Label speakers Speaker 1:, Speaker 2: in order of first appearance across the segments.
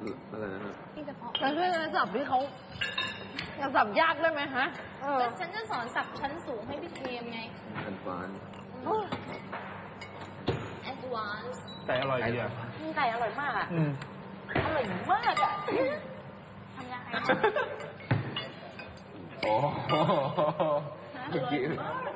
Speaker 1: อะไรนะฮะ
Speaker 2: ที่เฉพาะ
Speaker 3: แล้วช่วยกันสับที่เขาสับยากได้ไหมฮะ
Speaker 2: ฉันจะสอนสับชั้นสูงให้พี่เทมไง
Speaker 1: อันฟาน
Speaker 2: advance
Speaker 4: แต่อร่อยดีอ่ะ
Speaker 3: ไก่อร่อยมากอ่ะอร่อยมากอ่ะทำยังไง
Speaker 1: โอ้เมื่อกี้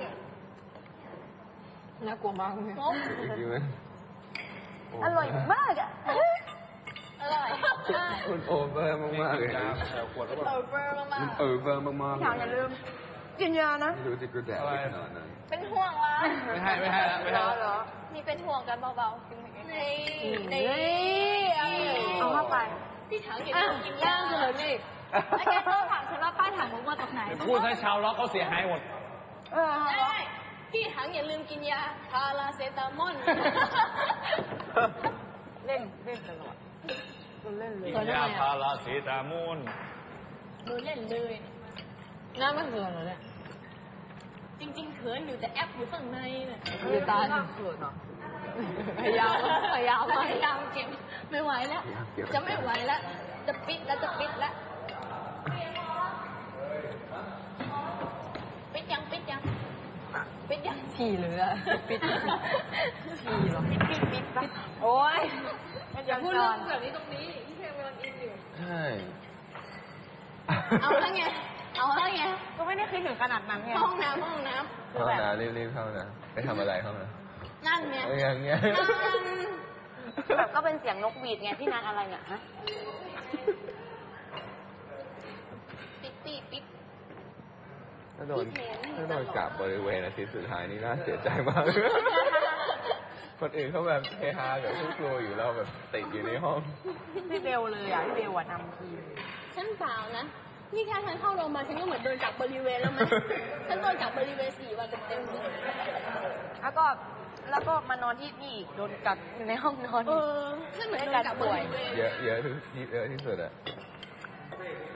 Speaker 3: น่ากลัวมากเลย
Speaker 1: เมื่อกี้มัน
Speaker 3: อร่อยมากอ่ะ
Speaker 2: อร่อย
Speaker 1: มันโอเวอร์มากๆเลย
Speaker 4: ขวดแล้วแบบ
Speaker 2: โอเวอร์มาก
Speaker 1: มันโอเวอร์มากๆ
Speaker 3: อย่าลืมกินยานะ
Speaker 1: ไม่รู้จะกระแดดไปขนาดนั้น
Speaker 2: ๆเป็นห่วงละ
Speaker 4: ไม่ให้แล้วไม่ให้
Speaker 3: เหร
Speaker 4: แล้ว
Speaker 3: อ
Speaker 2: มีเป็นห่วงกันเบาๆกินนี่
Speaker 3: เอาเข้าไป
Speaker 2: พี่ถังอย่าลืมกินย่างเลยนี่แล้วแกก็ถามฉันว่าป้ายถังมุกมาจากไหน
Speaker 4: พูดให้ชาวล็อกเขาเสียหายหมด
Speaker 2: ได้พี่ถังอย่าลืมกินยาพาราเซตามอล
Speaker 3: เล่นตลอดเล่นเลย
Speaker 4: กินยาพาราเซตามอล
Speaker 2: ดูเล่นเลย
Speaker 3: หน้าไม่เกินเหรอเนี่ย
Speaker 2: จริงๆเขินอยู่แต่แอปอยู่ข้างในเนี่ย
Speaker 3: คือตาถึงเกินเหรอพยายามพยายาม
Speaker 2: พยายามเก็บไม่ไหวแล้ว จะไม่ไหวแล้ว จะปิดแล้วปิดยัง
Speaker 3: ฉี่เลยอะปิดฉี่เหรอปิดโอ้ย
Speaker 2: อย่าพูดเรื่องแบบนี้ตรงนี้พี่เพลงกำลังอินอยู่
Speaker 1: ใช่
Speaker 2: เอาแล้วไง
Speaker 3: ก็ไม่ได้คิดถึงขนาดนั้นไง
Speaker 2: ห้องน้ำ
Speaker 1: เข้านะรีบๆเข้านะไปทำอะไรเข้านะ
Speaker 2: นั่นไง
Speaker 1: อย่างเงี้ย
Speaker 3: แบบก็เป็นเสียงนกหวีดไงพี่นันอะไรเนี่ยฮะ
Speaker 2: ปิด
Speaker 1: ถ้าโดนกับบริเวณอาทิตย์สุดท้ายนี่น่าเสียใจมาก คนอื่นเขาแบบเฮฮากับทุกครัวอยู่เราแบบติดอยู่ในห้อง
Speaker 3: พี่เบลเลยอ่ะพี่เบลนำทีม
Speaker 2: ฉันเปล่านะนี่แค่ฉันเข้าโรงพยาบาลฉันก็เหมือนโดนจับบริเวณแล้วมั้ยฉันโดนจับบริเวณ4 วันเต็มๆเลย
Speaker 3: แล้วก็มานอนที่นี่โดนกักอยู่ในห้องนอน
Speaker 2: ฉันเหมือนโดนจับบริเวณ
Speaker 1: เยอะที่สุดอะ